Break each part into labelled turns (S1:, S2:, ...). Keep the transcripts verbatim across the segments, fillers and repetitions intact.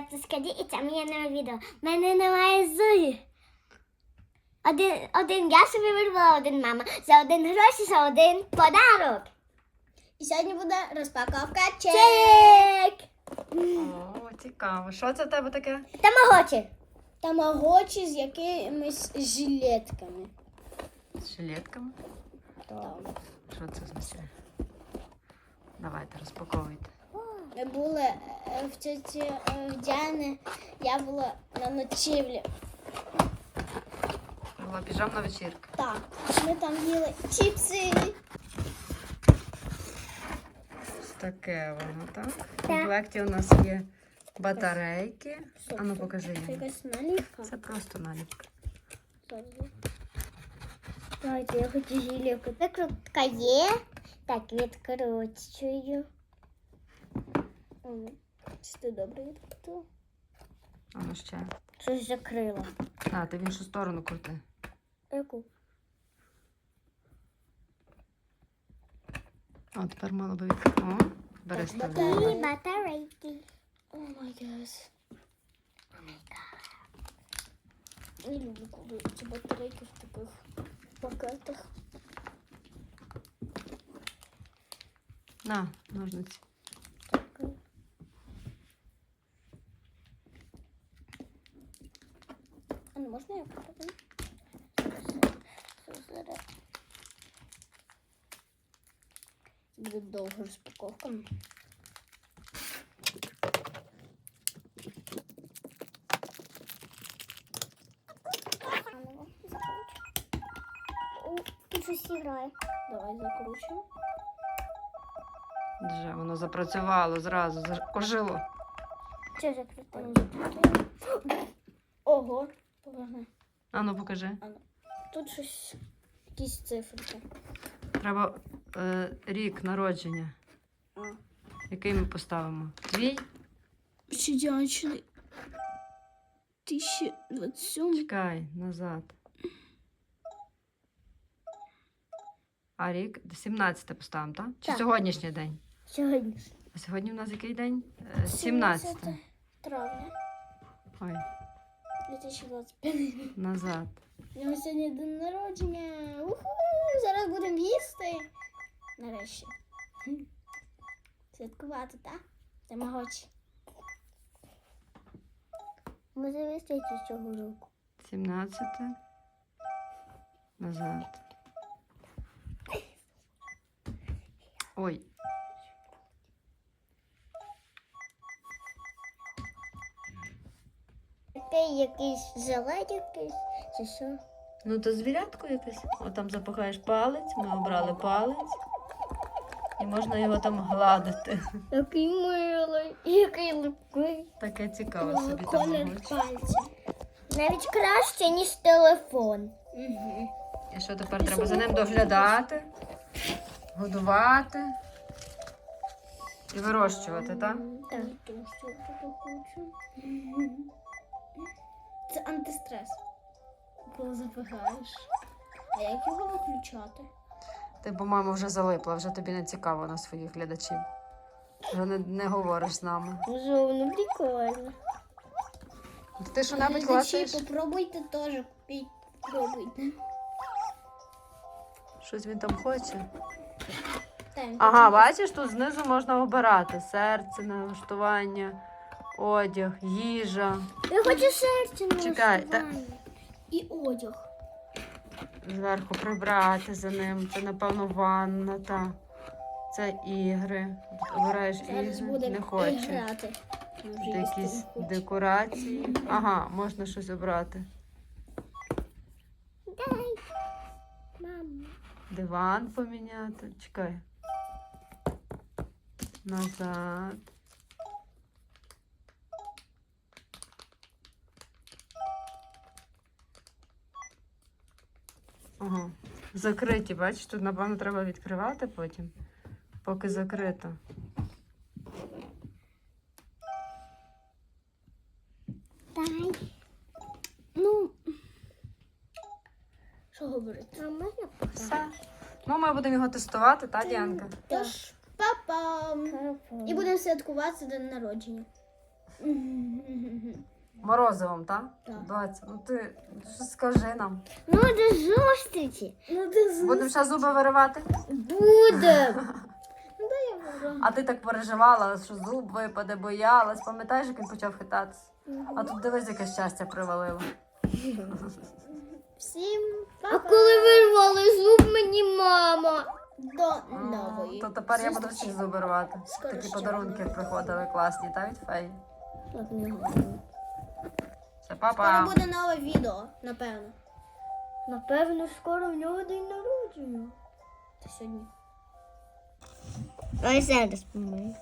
S1: звати Скаді, і це моє нове відео. В мене немає зубів. Один, один я собі вирвала, один мама. За один гроші, за один подарок.
S2: І сьогодні буде розпаковка чек.
S1: Чек!
S3: О, цікаво. Що це в тебе таке?
S1: Тамагочі.
S2: Тамагочі з якимись жилетками.
S3: З жилетками?
S2: Так.
S3: Що це означає? Давайте, розпаковуйте.
S2: Ми були е, в тіті е, в Діани, я була на ночівлі.
S3: Була піжамна вечірка.
S2: Так, ми там їли чіпси.
S3: Ось таке воно, так? В
S1: Так.
S3: комплекті у нас є батарейки. А ну покажи
S2: Це
S3: їм.
S2: якась наліпка.
S3: Це просто наліпка.
S1: Давайте, я хочу жилетку. Викрутка є. Так, відкручую.
S2: Чи ти добре відкрутила?
S3: А ну ще.
S1: Щось закрила.
S3: А, ти в іншу сторону крути.
S1: Яку?
S3: О, тепер мало би відкрити. О, бери
S1: І
S3: ставляй.
S1: батарейки.
S2: О май гас. Не люблю, коли ці батарейки в таких пакетах.
S3: На, ножниці.
S2: А не можна я попробую? Буде довга розпаковка.
S1: О, тут щось грає.
S2: Давай закручуємо.
S3: Вже воно запрацювало зразу, заж- ожило.
S1: Що закрутила?
S2: Ого, поверни.
S3: А ну покажи.
S2: Тут щось, якісь циферки.
S3: Треба е, рік народження.
S2: А.
S3: Який ми поставимо? Твій?
S2: Щодячний. тисяча двадцять сьомий.
S3: Чекай, назад. А рік? сімнадцяте поставимо, так? Чи
S1: Так.
S3: сьогоднішній день?
S1: Сьогодні.
S3: А сьогодні в нас який день? Е, сімнадцяте.
S2: травня
S3: Ой,
S2: дві тисячі двадцять п'ятий.
S3: назад.
S2: У нього сьогодні день народження. Уху! Зараз будемо їсти. Нарешті. Хм. Святкувати, так? Тамагочі.
S1: Ми завістити цього року.
S3: сімнадцяте. Назад. Ой.
S1: Такий якийсь зелень якийсь, чи що?
S3: Ну то звірятко якесь. О, там запихаєш палець, ми обрали палець. І можна його там гладити.
S1: Який милий, який липкий.
S3: Таке цікаве собі там.
S2: Колір
S3: мабуть.
S2: пальця.
S1: Навіть краще, ніж телефон.
S2: Угу.
S3: І що тепер треба за ним доглядати, годувати і вирощувати, так?
S2: Так. Це антистрес. Коли запихаєш. А як його виключати?
S3: Ти, по-моєму, вже залипла, вже тобі не цікаво на своїх глядачів. Вже не, не говориш з нами.
S1: Вже воно прикольно.
S3: Ти що-небудь
S2: Глядачі,
S3: класиш?
S2: попробуйте теж купіть. Пробуйте.
S3: Щось він там хоче.
S2: Так,
S3: Ага, бачиш, тут знизу можна обирати. Серце, налаштування, одяг, їжа.
S1: Я хочу серце на
S3: Чекай, та-
S1: налаштування.
S2: і одяг.
S3: Зверху прибрати за ним. Це, напевно, ванна, та. Це ігри. Тут обираєш
S2: Зараз
S3: ігри,
S2: буде
S3: не хоче.
S2: грати. Ми вже
S3: Тут
S2: їсти
S3: якісь
S2: не хочемо.
S3: декорації. Ага, можна щось обрати.
S1: Дай. Мама.
S3: Диван поміняти. Чекай. Назад. Ага. Закриті, бачиш, тут, напевно, треба відкривати потім, поки закрито.
S1: Дай. Ну,
S2: Що говорити?
S1: а можна
S3: Все. Ну, ми будемо його тестувати, та, Діанка?
S2: Тож, па-пам! І будемо святкувати день народження.
S3: Морозивом, так?
S2: Так.
S3: Доця, ну ти щось скажи нам.
S1: Ну, до зустрічі.
S2: Ну ти
S3: Будемо ще зуби виривати?
S2: буде. Ну дай я виру.
S3: А ти так переживала, що зуб випаде, боялась. Пам'ятаєш, як він почав хитатися? А тут дивись, яке щастя привалило.
S2: Всім
S1: А
S2: па-па.
S1: коли вирвали зуб мені мама.
S2: До нової.
S3: То тепер я буду
S2: зустрічі.
S3: всі зуби рвати.
S2: Скоро
S3: Такі
S2: ще
S3: подарунки
S2: буде.
S3: приходили класні, та від феї.
S1: Так не гарно.
S3: Все,
S2: Скоро
S3: папа.
S2: буде нове відео, напевно.
S1: Напевно, скоро в нього день народження.
S2: Та сьогодні.
S1: Ой, зараз помию.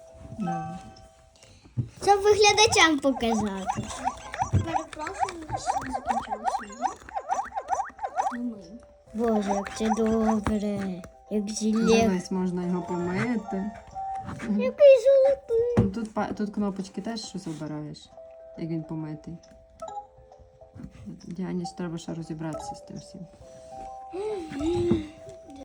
S1: Щоб виглядачам показати.
S2: Перепрошую, що не закінчилося. Ну, ми.
S1: Боже, як це добре. Як жилет.
S3: Дивись, можна його помити.
S1: Який золотий.
S3: Ну, Тут, па- тут кнопочки теж щось обираєш, як він помитий. Діані ж треба ще розібратися з тим всім.